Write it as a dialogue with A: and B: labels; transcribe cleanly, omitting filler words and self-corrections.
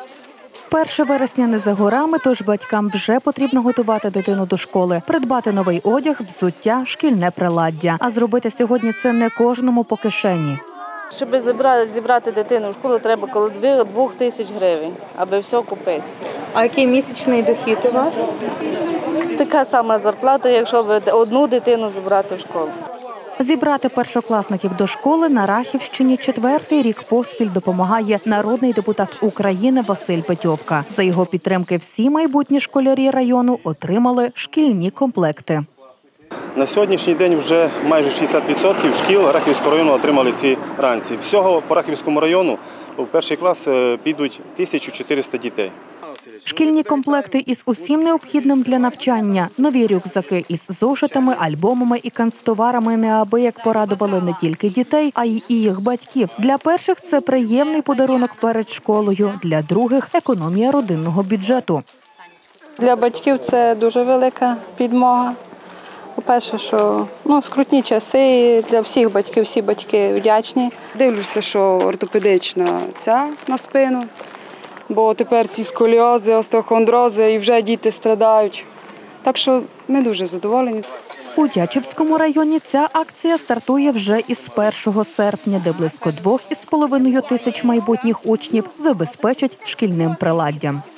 A: 1 вересня не за горами, тож батькам вже потрібно готувати дитину до школи, придбати новий одяг, взуття, шкільне приладдя. А зробити сьогодні це не кожному по кишені.
B: Щоб зібрати дитину в школу, треба коло 2 тисяч гривень, аби все купити.
C: А який місячний дохід у вас?
B: Така сама зарплата, якщо одну дитину зібрати в школу.
A: Зібрати першокласників до школи на Рахівщині 4-й рік поспіль допомагає народний депутат України Василь Петьовка. За його підтримки всі майбутні школярі району отримали шкільні комплекти.
D: На сьогоднішній день вже майже 60% шкіл Рахівського району отримали ці ранці. Всього по Рахівському району у перший клас підуть 1400 дітей.
A: Шкільні комплекти із усім необхідним для навчання, нові рюкзаки із зошитами, альбомами і канцтоварами неабияк порадували не тільки дітей, а й їх батьків. Для перших це приємний подарунок перед школою, для других – економія родинного бюджету.
E: Для батьків це дуже велика підмога. По-перше, що скрутні часи для всіх батьків, всі батьки вдячні.
F: Дивлюся, що ортопедична ця на спину, бо тепер ці сколіози, остеохондрози і вже діти страдають. Так що ми дуже задоволені.
A: У Тячівському районі ця акція стартує вже із 1 серпня, де близько 2,5 тисяч майбутніх учнів забезпечать шкільним приладдям.